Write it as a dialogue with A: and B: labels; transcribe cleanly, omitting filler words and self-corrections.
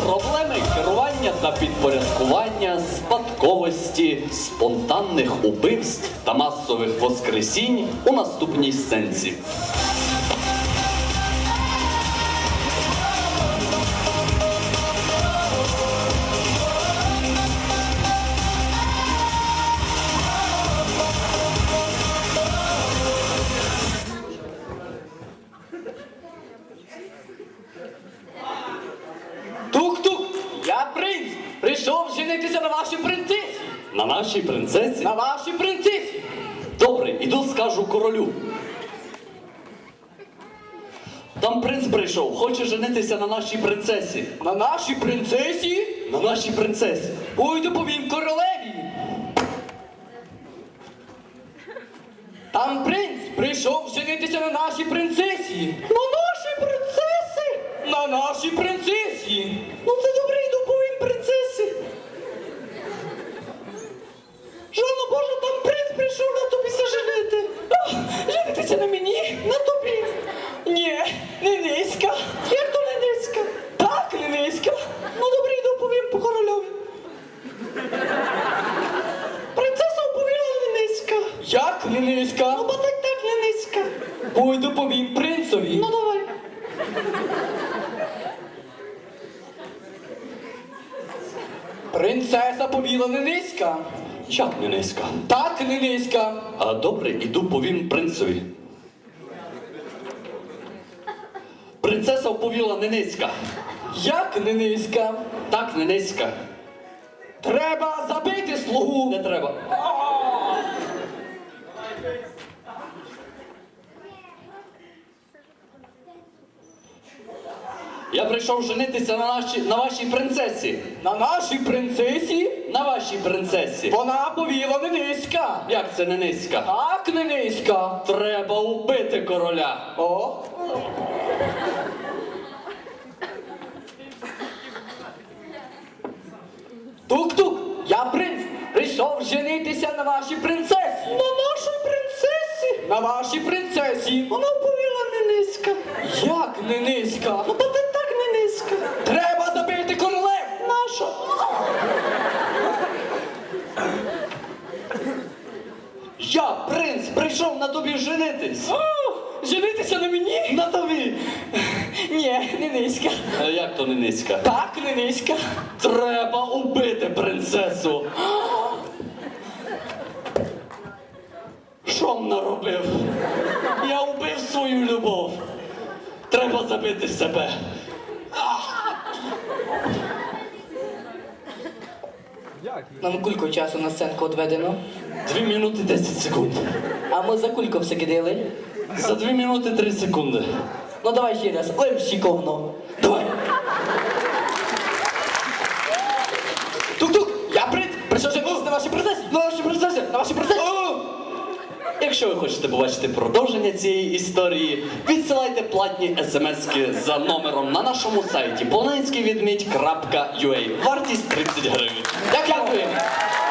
A: Проблеми керування та підпорядкування, спадковості, спонтанних убивств та масових воскресінь у наступній сценці.
B: Тук-тук, я принц, прийшов женитися на вашій принцесі.
A: На нашій принцесі?
B: На вашій принцесі.
A: Добре, іду скажу королю. Там принц прийшов, хоче женитися на нашій принцесі.
B: На нашій принцесі?
A: На нашій принцесі.
B: Пойду повім королеві. Там принц прийшов женитися на нашій принцесі. На нашій принцесі? На нашій принцесі. Ну це добре, йду повім принцесі. Жанна Божа, там принц прийшов на тобі женити. Женитися на мені? На тобі? Ні, не низька. Як то не низька? Так, не низька. Ну добре, йду повім по корольові. Принцеса оповіла не низька. Як не низька? Ну, бо так не низька. Пойду повім принцові. Ну, давай. Принцеса повіла не низька.
A: Як не низька?
B: Так не низька.
A: А добре, іду повім принцеві. Принцеса оповіла не низька.
B: Як не низька?
A: Так не низька.
B: Треба забити слугу.
A: Не треба. Я прийшов женитися на вашій принцесі.
B: На нашій принцесі
A: На вашій принцесі.
B: вона повіла не низька.
A: Як це не низька?
B: Так не низька.
A: Треба убити короля.
B: О. Тук-тук, я принц, прийшов женитися на вашій принцесі. На нашій принцесі? На вашій принцесі. Вона повіла не низька. Як не низька? Ну, бо ти так не низька. Треба забити королев. Нащо?
A: Я, принц, прийшов на тобі женитись.
B: О, женитися на мені?
A: На тобі.
B: Ні, не низька.
A: Як то не низька?
B: Так, не низька.
A: Треба убити принцесу. Що м наробив? Я убив свою любов. Треба забити себе.
B: Нам кілько часу на сценку відведено?
A: 2 минути 10 секунд.
B: А ми за кілько все кидали?
A: За 2 минути 3 секунди.
B: Ну давай ще раз, лемщиковно.
A: Давай.
B: Тук-тук, я принц, прийшов женитися на вашій принцесі. На вашій принцесі, на вашій принцесі.
A: Якщо ви хочете побачити продовження цієї історії, відсилайте платні смски за номером на нашому сайті polonецькийвідмідь.ua. Вартість 30 гривень.
B: Дякую.